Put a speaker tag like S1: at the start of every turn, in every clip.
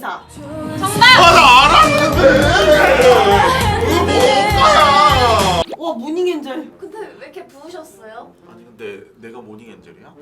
S1: 인사.
S2: 정답!
S3: 나 알았는데. 뭐야?
S1: 와 모닝엔젤.
S2: 근데 왜 이렇게 부으셨어요?
S3: 아니 근데 내가 모닝 엔젤이야?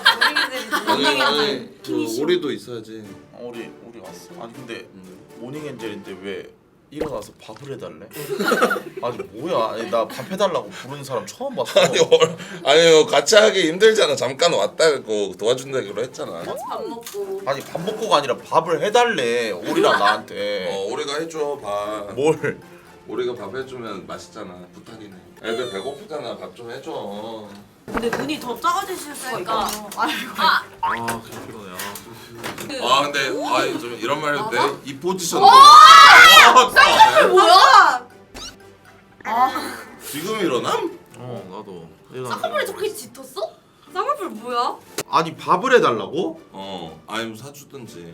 S4: 아니 그 오리도 있어야지.
S3: 우리 왔어. 아니 근데 모닝 엔젤인데 왜 일어나서 밥을 해달래? 아니 뭐야? 아니 나 밥 해달라고 부르는 사람 처음 봤어.
S4: 아니요 같이 하기 힘들잖아. 잠깐 왔다고 도와준다기로 했잖아.
S2: 밥 먹고.
S3: 아니 밥 먹고가 아니라 밥을 해달래. 오리랑 나한테.
S4: 오리가 해줘 밥.
S3: 뭘?
S4: 오리가 밥 해주면 맛있잖아. 부탁이네. 애들 배고프잖아. 밥 좀 해줘.
S1: 근데 눈이 더 작아지실 수가
S2: 그러니까.
S1: 있거든요. 아이고.
S2: 아!
S3: 아 그냥 피곤해.
S4: 아 근데 좀 이런 말 해도 돼? 이 포지션.
S2: 뭐야?
S4: 지금 일어남?
S3: 나도.
S2: 쌍꺼풀이 저렇게 짙었어? 쌍꺼풀 뭐야?
S3: 아니 밥을 해달라고?
S4: 아니면 사주든지.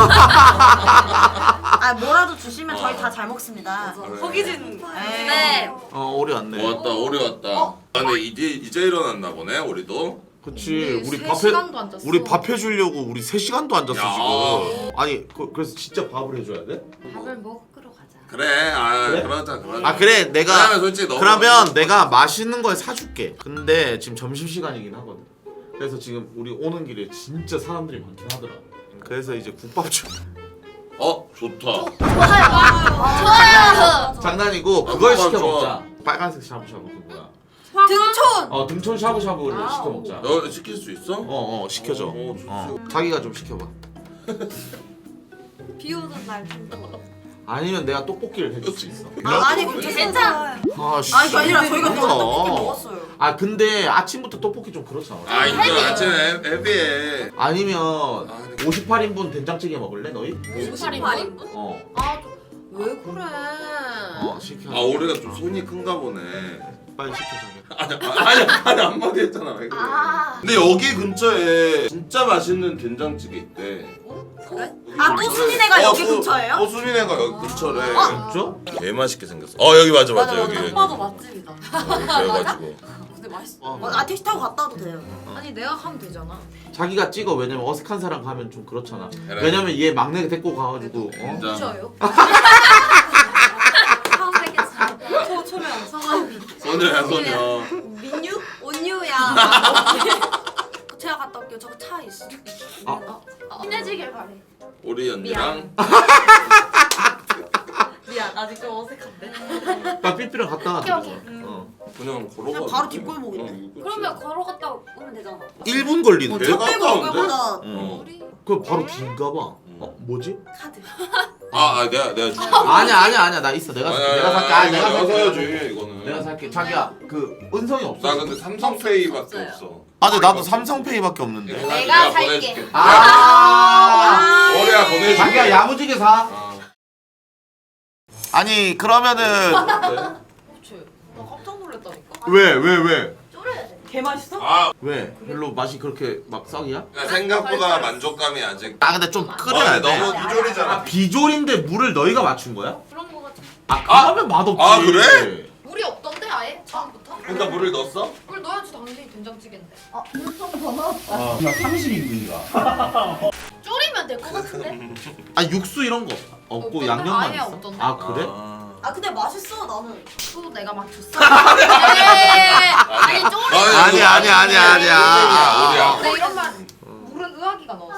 S1: 아 뭐라도 주시면 저희 다 잘 먹습니다.
S4: 그래.
S2: 허기진.
S1: 네.
S2: 네.
S3: 오리 왔네.
S4: 왔다 오리 왔다. 근데 이제 일어났나 보네 우리도.
S3: 그치 우리
S2: 세
S3: 밥해
S2: 시간도 안 잤어.
S3: 우리 밥 해주려고 우리 3시간도 안 잤어
S4: 야.
S3: 지금. 아니 그래서 진짜 밥을 해줘야 돼?
S2: 밥을 먹으러 가자.
S4: 그래
S3: 그래?
S4: 그러자.
S3: 아 그래 내가
S4: 그러면 솔직히 너무
S3: 그러면 내가 맛있는 걸 사줄게. 근데 지금 점심시간이긴 하거든. 그래서 지금 우리 오는 길에 진짜 사람들이 많긴 하더라. 그래서 이제 국밥 좀
S4: 좋다.
S2: 좋아요.
S3: 장난이고 그걸
S4: 국밥
S3: 시켜
S4: 좋아.
S3: 먹자. 빨간색 샤브샤브 그 뭐야?
S2: 등촌.
S3: 등촌 샤브샤브를 시켜 먹자.
S4: 너 시킬 수 있어?
S3: 시켜줘.
S4: 좋지.
S3: 자기가 좀 시켜봐.
S2: 비 오는 날.
S3: 아니면 내가 떡볶이를 해줄 수 있어.
S1: 아니 괜찮아.
S3: 아씨.
S1: 아니 그게 아니라 저희가 또 떡볶이 먹었어요.
S3: 아 근데 아침부터 떡볶이 좀 그렇잖아.
S4: 이거 아침에 헤비해.
S3: 아니면
S4: 근데
S3: 58인분 된장찌개 먹을래 너희?
S2: 58인분? 왜 그래?
S3: 시켜.
S4: 오리가 좀 손이 큰가 보네.
S3: 빨리 시켜 자기.
S4: 아니 한마디 했잖아. 왜 그래? 근데 여기 근처에 진짜 맛있는 된장찌개 있대.
S2: 그래?
S1: 또 수민이가 여기 근처예요?
S4: 수민이가 여기 근처래.
S3: 진짜?
S4: 개 맛있게 생겼어. 여기 맞아 여기.
S2: 딱 봐도 맛집이다.
S4: 그래가지고.
S2: 근데 맛있어.
S1: 택시 타고 갔다 와도 돼요.
S2: 아니 내가 하면 되잖아.
S3: 자기가 찍어. 왜냐면 어색한 사람 가면 좀 그렇잖아.
S4: 그래.
S3: 왜냐면 얘 막내 데리고 가가지고
S4: 진짜.
S2: 저요? 처음 뵙겠습니다.
S1: 초면
S2: 성함이
S4: 소녀야 소녀.
S1: 민유?
S2: 온유야.
S1: 제가 갔다 올게요. 저거 차 있어.
S2: 친해지길 바래.
S4: 우리 언니랑
S2: 미안 아직 좀 어색한데.
S3: 나 삐삐랑 갔다
S2: 오케이,
S3: 와줘.
S2: 오케이.
S4: 그냥 걸어가.
S1: 그냥 바로 뒷골목인데?
S2: 그러면 걸어갔다 오면 되잖아.
S3: 1분 걸리는데?
S4: 저-
S1: 저 빼고
S4: 가까운데?
S1: 얼굴보다
S2: 우리
S3: 그럼 바로 긴가 봐. 뭐지?
S1: 카드.
S4: 내가 줄게.
S3: 아니야 나 있어. 내가 살게. 내가 살게. 내가
S4: 내가
S3: 살게.
S4: 사야지 이거는.
S3: 내가 살게. 자기야 그 은성이 없어.
S4: 나 근데 삼성페이밖에
S2: 없어요.
S4: 없어.
S3: 근데 나도 삼성페이밖에 없는데.
S2: 내가 살게.
S4: 보내줄게.
S3: 아.
S4: 오리야 보내줄게.
S3: 자기야 야무지게 사.
S4: 아.
S3: 아니 그러면은
S2: 그치. 나 깜짝 놀랐다니까.
S3: 왜?
S2: 쪼려야 돼.
S1: 개 맛있어?
S3: 왜? 별로 맛이 그렇게 막 썩이야?
S4: 그러니까 생각보다 만족감이 아직.
S3: 근데 좀 끓여야 돼.
S4: 너무 비졸이잖아.
S3: 비졸인데 물을 너희가 맞춘 거야?
S2: 그런 거 같아.
S3: 그러면 맛없지.
S4: 그래?
S2: 물이 없던데 아예 처음부터?
S4: 그러니까 물을 넣었어?
S2: 물 넣어야지 당연히 된장찌개인데.
S3: 나 30인분이다.
S2: 졸이면 될 것 같은데?
S3: 육수 이런 거 없고
S2: 없던데?
S3: 양념만
S2: 아예
S3: 있어?
S2: 없던데?
S3: 그래?
S1: 근데 맛있어 나는.
S2: 또 내가 맞췄어. 아니 쪼리.
S4: 아니야.
S2: 근데 이런 말 물은 의학이가 넣어.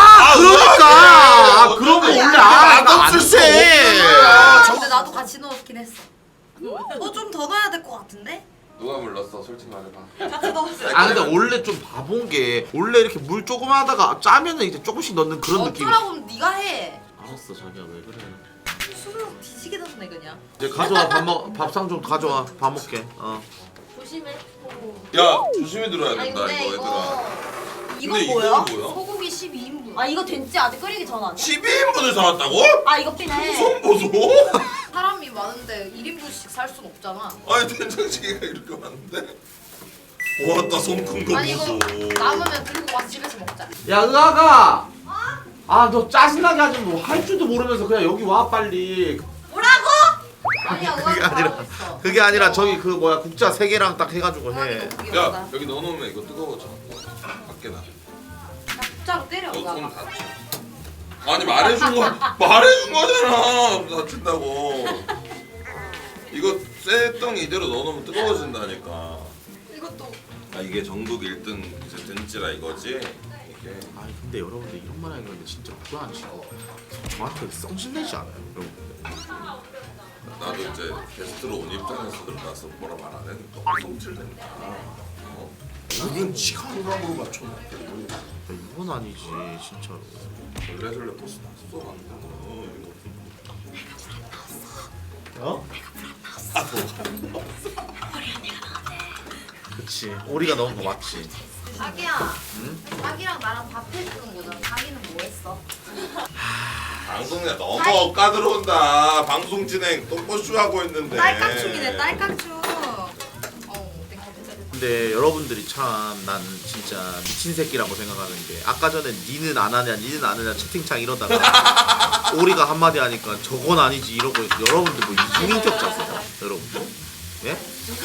S3: 그러니까 그런 거 원래
S4: 맛없을
S3: 안 돼.
S2: 근데 나도 같이 넣었긴 했어.
S1: 좀 더 넣어야 될 것 같은데?
S4: 누가 물 넣었어? 솔직히 말해봐.
S1: 같이 넣었어요.
S3: 근데 원래 좀 바본 게 원래 이렇게 물 조금 하다가 짜면은 이제 조금씩 넣는 그런 느낌.
S2: 어쩌라고 네가 해.
S3: 알았어 자기야 왜 그래?
S2: 술을 뒤지게 넣네 그냥.
S3: 이제 가져와 밥상 좀 가져와 밥 먹게.
S2: 조심해.
S4: 야 조심히 들어야 된다
S2: 근데
S4: 이거 얘들아.
S1: 이건
S4: 근데
S1: 뭐야?
S4: 이건 뭐야?
S2: 소고기 12인분.
S1: 이거 된지 아직 끓이기 전 아니야?
S4: 12인분을 사왔다고?
S1: 이거 피네.
S4: 손 보소?
S2: 사람이 많은데 1인분씩 살 순 없잖아.
S4: 아니 된장찌개가 이렇게 많은데? 왔다 손 큰 거
S2: 아니 이거
S4: 보소.
S2: 남으면 들고 와서 집에서 먹자.
S3: 야 의아가. 너 짜증나게 하지 뭐 할 줄도 모르면서 그냥 여기 와 빨리.
S1: 뭐라고?
S2: 아니야
S3: 그게
S2: 의학이
S3: 아니라-
S2: 잘하고 있어.
S3: 그게 아니라 저기 그 뭐야 국자 3개랑 딱 해가지고 해.
S4: 야 여기 넣어놓으면 이거 뜨거워져. 밖에 나.
S2: 국자로 때려
S4: 손
S2: 의학아.
S4: 다쳐. 아니 말해준 거잖아. 다친다고. 이거 쇠덩이 이대로 넣어놓으면 뜨거워진다니까.
S2: 이것도
S4: 아 이게 전국 1등 이제 등찌라 이거지? 이게
S3: 아니 근데 여러분들 이런 말 하는 건데 진짜 불안치고 저한테 성질내지 않아요 여러분들.
S4: 나도 이제 게스트로 온 입장에서 나서 뭐라 말 안 했는데 너무 성질낸다. 나는 지가 호감으로 맞춰놨고
S3: 이건 아니지 진짜로.
S4: 설레설레 버스 탔어 안 돼.
S3: 어? 그치 오리가 넣은 거 맞지.
S2: 자기야. 자기랑 나랑 밥 해주는 거잖아. 자기는 뭐 했어?
S4: 방송에 너무 까들어온다. 방송 진행 똥꼬쇼 하고 있는데.
S1: 딸깍충이네 딸깍충.
S3: 근데 여러분들이 참 난 진짜 미친 새끼라고 생각하는 게 아까 전에 니는 안 하냐 채팅창 이러다가 오리가 한마디 하니까 저건 아니지 이러고 여러분들 뭐 이중인격자세요 여러분들? 예?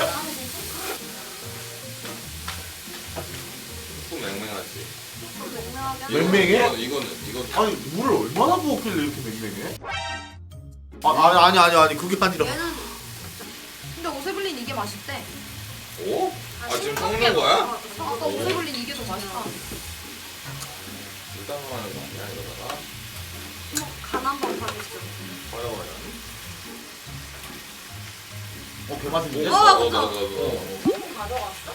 S4: 좀 맹맹하지.
S3: 맹맹해?
S4: 이거는
S3: 아니 물을 얼마나 부었길래 이렇게 맹맹해? 아니 그게 아니라
S2: 얘는 근데 오세블린 이게 맛있대.
S4: 오? 아 지금 섞는 거야?
S2: 아까 오세블린 이게 더 맛있다.
S4: 일단 하는 거 아니야 이러다가?
S1: 간 한번 봐주시죠.
S4: 화려하냐?
S3: 개맛있는데?
S1: 가져왔어?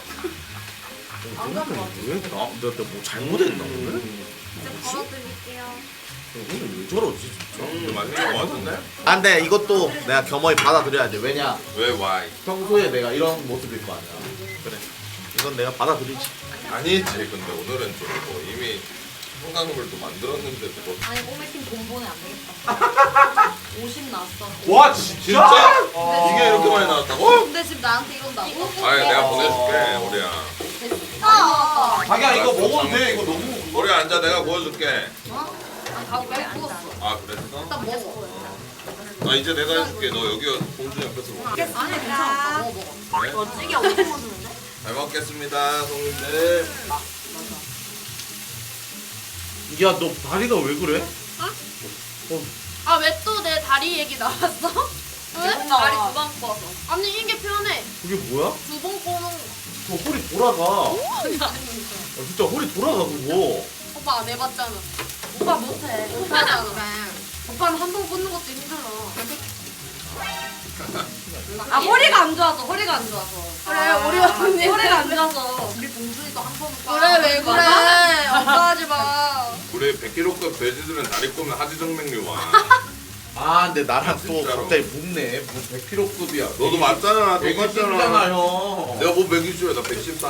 S3: 왜나뭐 잘못했나 오늘?
S1: 이제 걸어드릴게요.
S3: 오늘 왜 저러지 진짜?
S4: 맛있는 거 같은데?
S3: 아 근데 이것도 내가 겸허히 받아들여야 돼. 왜냐?
S4: 왜 와이?
S3: 평소에 내가 이런 모습일 거 아니야. 그래. 이건 내가 받아들이지.
S4: 아니지 근데 오늘은 좀 뭐 이미 한강물도 만들었는데 뭐
S1: 아니 꼬매팀 돈 보내 안 되겠다. 50 나왔어.
S3: 와
S4: 진짜? 이게 이렇게 많이 나왔다고?
S1: 근데 지금 나한테 이런다고?
S4: 아니 내가 보내줄게 우리야.
S1: 아,
S3: 자기야 이거 먹어도 돼. 이거 너무.
S4: 우리 앉아 내가 구워줄게.
S1: 가고 빼 구웠어.
S4: 아 그랬어?
S1: 일단 먹어.
S4: 아 이제 내가 해줄게. 너 여기 봉준 옆에서 먹어.
S1: 아니 괜찮아. 먹어 먹어.
S4: 그래?
S1: 찌개 엄청 먹는데?
S4: 잘 먹겠습니다 손님들.
S3: 야 너 다리가 왜 그래?
S5: 아 왜 또 내 다리 얘기 나왔어? 왜?
S1: 다리 두 번 꺼서.
S5: 아니 이게 편해.
S3: 그게 뭐야?
S5: 두 번 꼬는
S3: 저 허리 돌아가. 진짜 허리 돌아가 그거.
S5: 오빠 안 해봤잖아.
S1: 오빠 못해.
S5: 오빠잖아. 오빠는 한 번 꽂는 것도 힘들어.
S1: 아 허리가 안 좋아서 허리가 안 좋아서.
S5: 그래, 우리 언니.
S1: 허리가 안 좋아서. 우리 봉준이도 한 번은
S5: 그래 왜 그래? 오빠 하지 마.
S4: 우리 100kg급 돼지들은 다리 꼬면 하지정맥류 와.
S3: 아 근데 나랑 또
S4: 진짜로.
S3: 갑자기 묵네. 뭐 100kg급이야.
S4: 너도 맞잖아. 똑같잖아.
S3: 120이잖아요.
S4: 내가 뭐 120이야. 나 114.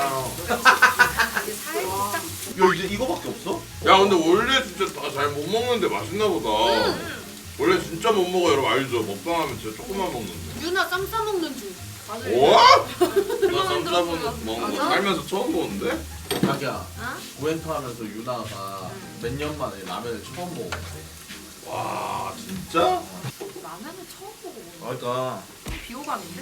S3: 야 이제 이거밖에 없어?
S4: 야 근데 원래 진짜 다 잘 못 먹는데 맛있나 보다. 원래 진짜 못 먹어 여러분 알죠? 먹방하면 진짜 조금만 먹는데.
S5: 유나 쌈 싸먹는 중.
S4: 와? 나 쌈싸먹는 먹는 거 살면서 처음 보는데?
S3: 자기야 구엔터 하면서 유나가 몇 년 만에 라면을 처음 먹었대.
S4: 와 진짜?
S2: 라면을 처음 먹어보는
S3: 그러니까
S2: 비호감인데?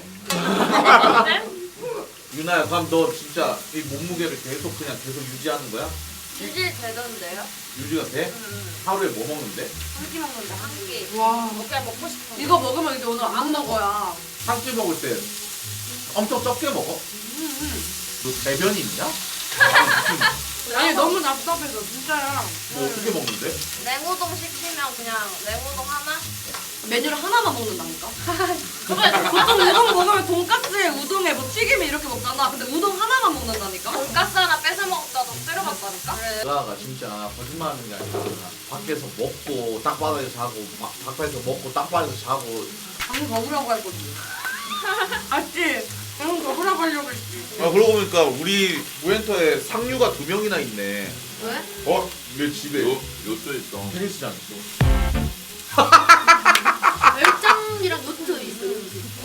S3: 유나야 그럼 너 진짜 이 몸무게를 계속 유지하는 거야?
S5: 유지 되던데요?
S3: 유지가 돼? 하루에 뭐 먹는데?
S5: 한 끼 먹는데 한 끼.
S2: 와
S5: 그냥 먹고 싶어.
S2: 이거 먹으면 이제 오늘 안 먹어야.
S3: 한 끼 먹을 때 엄청 적게 먹어? 너 대변이 있냐?
S2: 아니 너무 답답해서 진짜야.
S3: 뭐 어떻게 먹는데?
S5: 냉우동 시키면 그냥 냉우동 하나?
S2: 메뉴를 하나만 먹는다니까? 보통 우동 먹으면 돈까스에 우동에 뭐 튀김에 이렇게 먹잖아. 근데 우동 하나만 먹는다니까?
S5: 돈가스 하나 뺏어 먹다가 때려봤다니까?
S3: 유나가 진짜 거짓말하는 게 아니라 밖에서 먹고 땅바닥에서 자고 밖에서 먹고 땅바닥에서 자고
S2: 방금 먹으라고 할 거지. 알지? 방금 먹으라고 하려고 했지.
S3: 아 그러고 보니까 우리 우엔터에 상류가 2명이나 있네.
S5: 왜?
S3: 어? 내 집에
S4: 요트 있어.
S3: 테니스장 있어.
S5: 멸장이랑 요트 있어요.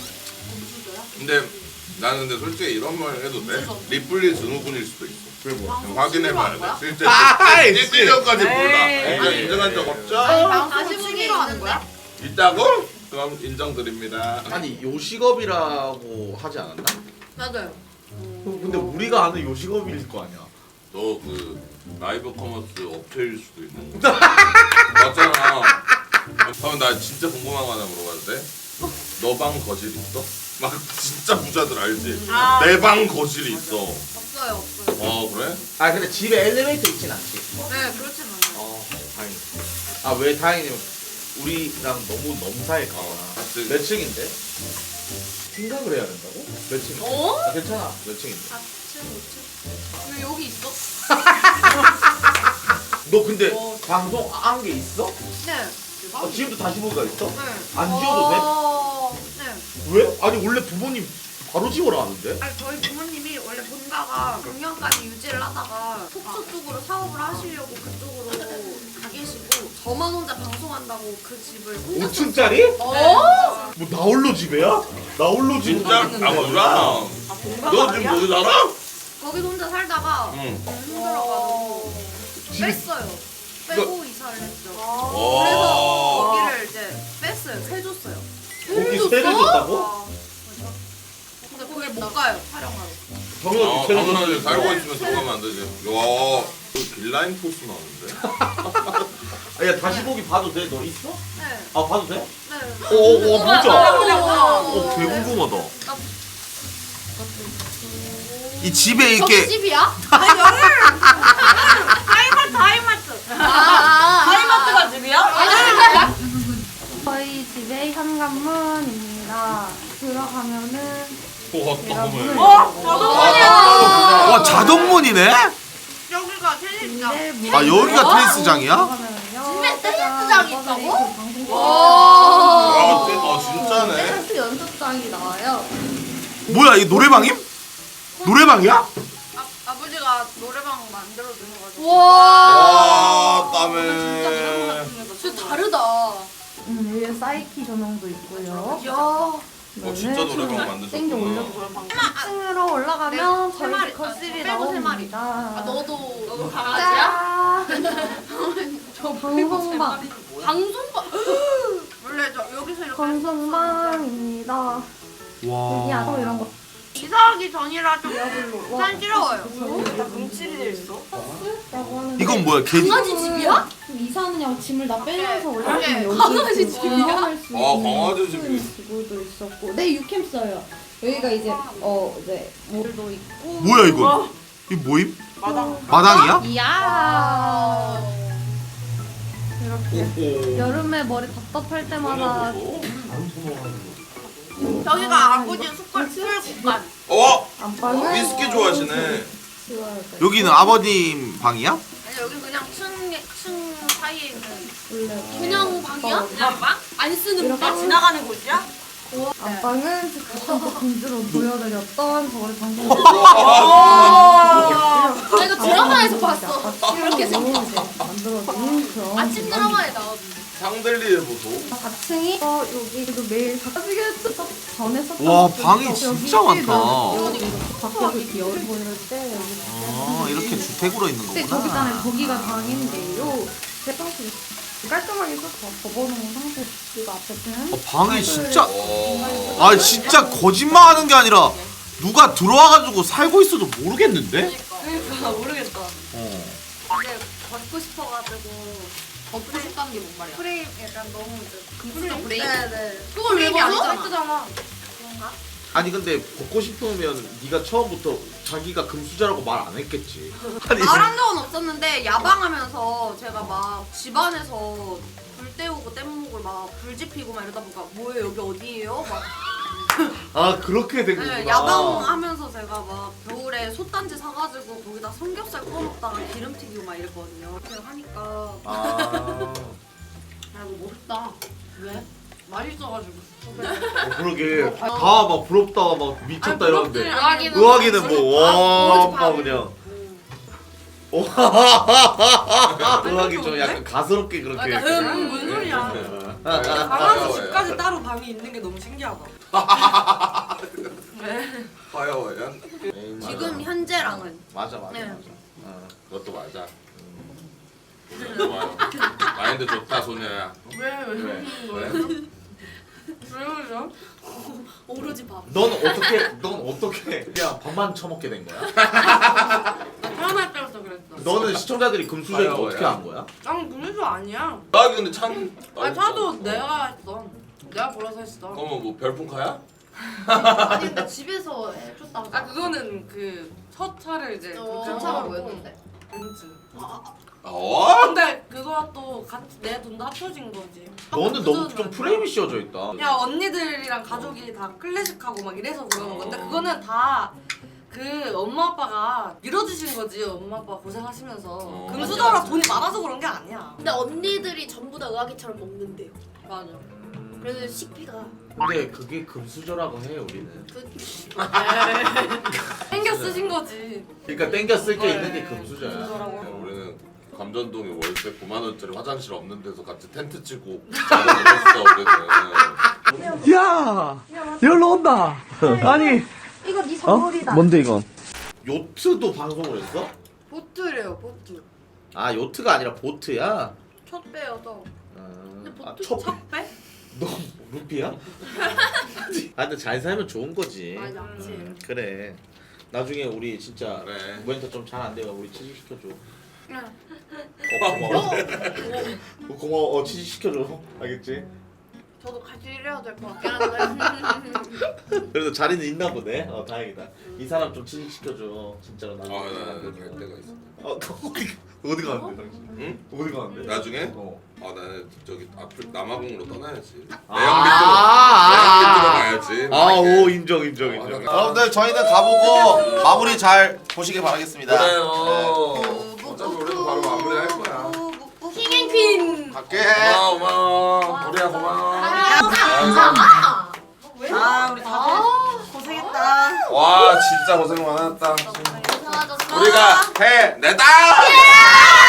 S4: 근데 나는 근데 솔직히 이런 말 해도 돼? 리플리 증후군일 수도 있어.
S3: 그게 뭐야?
S4: 좀 확인해봐야 돼. 실제
S3: 아이,
S4: 찌질력까지 몰라.
S2: 에이.
S4: 인정한 적 없죠?
S2: 방송 취미로 하는 거야?
S4: 있다고? 그럼 인정드립니다.
S3: 아니 요식업이라고 하지 않았나?
S2: 맞아요.
S3: 근데 우리가 아는 요식업일 거 아니야.
S4: 너 그 라이브 커머스 업체일 수도 있는 거 맞잖아. 그럼 나 진짜 궁금한 거 하나 물어봐도 돼? 너 방 거실 있어? 막 진짜 부자들 알지?
S1: 아.
S4: 내 방 거실이 있어.
S5: 없어요 없어요.
S4: 그래?
S3: 아 근데 집에 엘리베이터 있진 않지.
S5: 네 그렇진 않아요.
S3: 다행이다. 아 왜 다행이냐면 우리랑 너무 넘사일까 봐.
S4: 맞지.
S3: 몇 층인데? 생각을 해야 된다고? 몇 층?
S5: 어?
S3: 아, 괜찮아. 몇 층인데?
S5: 4층 5층. 왜 여기 있어?
S3: 너 근데
S5: 어.
S3: 방송 안 게 있어?
S5: 네.
S3: 지금도 다시 보기가 있어?
S5: 네.
S3: 안 지워도 돼?
S5: 네.
S3: 왜? 아니 원래 부모님 바로 지워라 하는데?
S5: 아니 저희 부모님이 원래 본가가 작년까지 유지를 하다가 속초 쪽으로 사업을 하시려고 그쪽으로 가 계시고 저만 혼자 방송한다고 그 집을 혼자
S3: 5층짜리?
S5: 어?
S3: 뭐 나홀로 집에야? 나홀로 집?
S4: 진짜? 아 몰라. 너 지금 거기 살아?
S5: 거기서 혼자 살다가
S4: 응.
S5: 너무 힘들어가지고
S3: 집이-
S5: 뺐어요. 빼고 이사를 했죠.
S4: 와.
S5: 그래서 거기를 이제 뺐어요. 세줬어요.
S3: 거기 세를 줬다고?
S5: 근데 거기 못 가요. 촬영하러.
S3: 당연하지 세를
S4: 당연하지.
S3: 줬지.
S4: 살고 있으면 들어가면 안 되지. 야, 그 빌라인 포스 나오는데?
S3: 아, 야 다시 보기 봐도 돼? 너 있어?
S5: 네.
S3: 아 봐도 돼?
S5: 네.
S3: 오 보자.
S5: 오.
S3: 개 궁금하다. 이 집에
S5: 저기
S3: 이렇게
S5: 집이야?
S1: 하이마트.
S5: 아.
S1: 하이마트가 집이야?
S6: 저희 집의 현관문입니다. 들어가면은 제가 문을
S1: 자동문이야.
S3: 와 자동문이네?
S5: 여기가 테니스장.
S3: 아 여기가 테니스장이야?
S6: 집에
S5: 테니스장이 있다고?
S4: 아, 진짜네.
S6: 테니스 연습장이 나와요.
S3: 뭐야 이 노래방임? 노래방이야?
S5: 아버지가 노래방 만들어 주셔가지고.
S4: 와, 땀에.
S5: 진짜 다르다.
S6: 위에 사이키 조명도 있고요.
S5: 야.
S4: 진짜 노래방 만드셨구나.
S6: 땡겨 올려서 2층으로 올라가면
S5: 세
S6: 저희
S5: 마리,
S6: 집 거실이
S5: 빼고 세 마리.
S6: 나옵니다.
S5: 아 너도 강아지야?
S6: 저 방송방
S5: 방송방. 원래 저 여기서 이렇게
S6: 방송방입니다. 여기
S3: 와.
S6: 안에 이런 거
S5: 이사하기 전이라 좀
S6: 와,
S5: 산지러워요.
S1: 나 금칠이 돼 있어.
S6: 라고 하는데
S3: 이건 뭐야 개?
S5: 강아지 집이야?
S6: 좀 이사하느냐고 짐을 다 빼면서 올라가면
S5: 네,
S6: 여기
S5: 강아지
S6: 그
S5: 집이야?
S6: 공부할 수
S4: 아,
S6: 있는
S4: 강아지 집이.
S6: 기구도 있었고 네 유캠 써요. 여기가 이제 이제 물도 있고
S3: 뭐야 이거? 이 뭐임?
S1: 마당.
S3: 마당이야?
S6: 이야 이렇게
S4: 오호.
S6: 여름에 머리 답답할 때마다
S5: 저기가 아버지 수술 공간.
S6: 안방을
S4: 위스키 좋아하시네.
S6: 지워야 돼.
S3: 여기는 아버님 방이야?
S5: 아니 여기 그냥 층 사이에 있는
S6: 원래
S5: 그냥 방이야? 그냥 방? 안 쓰는
S6: 이렇게
S5: 방?
S1: 지나가는 곳이야?
S6: 안방은 그때부터 공주로 보여드렸던 저희 방송
S5: 나 이거 드라마에서 봤어. 이렇게
S6: 이렇게
S5: 생겼어.
S6: 이제 만들어진 그런
S5: 아침 드라마에 나오는.
S4: 상들리에 보소.
S6: 4층이 여기도 매일 바뀌게 전에 썼던
S3: 와,
S6: 것도
S3: 방이
S6: 있고,
S3: 진짜
S6: 여기
S3: 많다.
S6: 밖에서 이렇게 열이 보일 때 여기
S3: 아 이렇게 주택으로 있는
S6: 근데 저기 있잖아요.
S3: 거구나.
S6: 거기가 방인데요. 제 방식이 깔끔하게 써서 접어놓은 상태. 이거 앞에는
S3: 방이 진짜
S4: 와.
S3: 아 진짜 거짓말하는 게 아니라 누가 들어와가지고 살고 있어도 모르겠는데?
S2: 그러니까 모르겠다.
S3: 어.
S5: 근데 걷고 싶어가지고
S2: 걷고 싶다는 게 뭔 말이야?
S5: 프레임 약간 너무 이제
S2: 금수저 브레이크?
S5: 네네.
S2: 그걸 왜
S5: 프레임이
S2: 벗어?
S5: 아니잖아.
S2: 예쁘잖아.
S5: 그런가?
S3: 아니 근데 벗고 싶으면 네가 처음부터 자기가 금수저라고 말 안 했겠지. 아니
S5: 말한 적은 없었는데 야방하면서 제가 막 집안에서 불 때우고 뗏목을 막 불 지피고 막 이러다 보니까 뭐예요 여기 어디예요? 막
S3: 아 그렇게 된 거구나.
S5: 네, 야방하면서 제가 막 겨울에 솥단지 사가지고 거기다 삼겹살 꺼먹다가 기름 튀기고 막 이랬거든요. 그냥 하니까
S3: 아
S2: 아 이거 멋있다. 왜? 말이 있어가지고.
S3: 그러게 다 막 부럽다 막 미쳤다 이러는데
S5: 의학이는
S3: 의학이는 뭐와
S5: 모르지,
S3: 막 그냥 의학이 좀 약간 가스럽게 그렇게
S2: 약간 뭔 소리야? 강아지 집까지 따로 방이 있는 게 너무 신기하다.
S4: 화여연.
S5: 지금 현재랑은
S3: 맞아 맞아
S5: 네.
S3: 맞아.
S4: 그것도 맞아. 좋아요. 마인드 좋다 소녀야.
S2: 왜
S4: 왜?
S2: 그러죠?
S5: 오로지 밥.
S3: 넌 어떻게 그냥 밥만 처먹게 된 거야?
S2: 드라마 때부터 그랬어.
S3: 너는 시청자들이 금수저인 거 어떻게 한 거야?
S2: 난 금수 아니야.
S4: 나 근데 참.
S2: 아니 차도 내가 했어. 내가 벌어서 했어.
S4: 그러면 뭐 별풍카야?
S5: 아니 근데 집에서 해줬다고.
S2: 아 그거는 그 첫 차를 이제
S5: 첫 차가 뭐였는데?
S2: 벤츠.
S4: 어?
S2: 근데 그거와 또 같이 내 돈도 합쳐진 거지.
S3: 너는 너무 좀 프레임이 씌워져 있다.
S2: 야 언니들이랑 가족이 다 클래식하고 막 이래서 그러는 건데 그거는 다 그 엄마 아빠가 밀어주신 거지. 엄마 아빠 고생하시면서 금수저라 돈이 많아서 그런 게 아니야.
S5: 근데 언니들이 전부 다 의학이처럼 먹는데요.
S2: 맞아.
S5: 그래서 식비가
S3: 근데 그게 금수저라고 해 우리는.
S2: 땡겨 쓰신 거지.
S3: 그러니까 땡겨 쓸 게
S2: 네.
S3: 있는 게 금수저야.
S2: 금수저라고.
S4: 우리는 감전동에 월세 9만 원짜리 화장실 없는 데서 같이 텐트 치고 자고 우리는.
S7: 야! 열로 온다! 아니,
S6: 이거 네 선물이다.
S7: 뭔데 이건?
S3: 요트도 방송을 했어?
S5: 보트래요 보트.
S3: 아 요트가 아니라 보트야?
S5: 첫 배여서.
S3: 아,
S5: 보트
S3: 첫
S2: 첫 배?
S3: 너 루피야? 아 근데 잘 살면 좋은 거지.
S5: 맞아.
S3: 그래. 나중에 우리 진짜
S4: 그래.
S3: 무엔터 좀 잘 안 되면 우리 취직시켜줘.
S5: 응.
S3: 고마워. 고마워. 취직시켜줘. 알겠지?
S5: 저도 같이 일해야 될 것 같긴 한데.
S3: 그래도 자리는 있나 보네. 다행이다. 이 사람 좀 취직시켜줘. 진짜로 나중에.
S4: 아나갈 때가 있어.
S3: 어디 가는데 당신?
S4: 응?
S3: 어디 가는데?
S4: 나중에?
S3: 어.
S4: 아 나는 저기 앞을 남아공으로 떠나야지.
S3: 아,
S4: 내양 밑으로 가야지.
S3: 오 인정. 여러분들 저희는 가보고 마무리 잘 보시길 바라겠습니다.
S4: 그래요. 어차피 우리도 바로 마무리할 거야.
S5: 킹앤퀸.
S3: 갈게.
S4: 고마워. 우리야 고마워.
S2: 아 우리 다들 고생했다.
S4: 와 진짜 고생 많았다.
S5: 고생하셨어.
S4: 우리가 해냈다.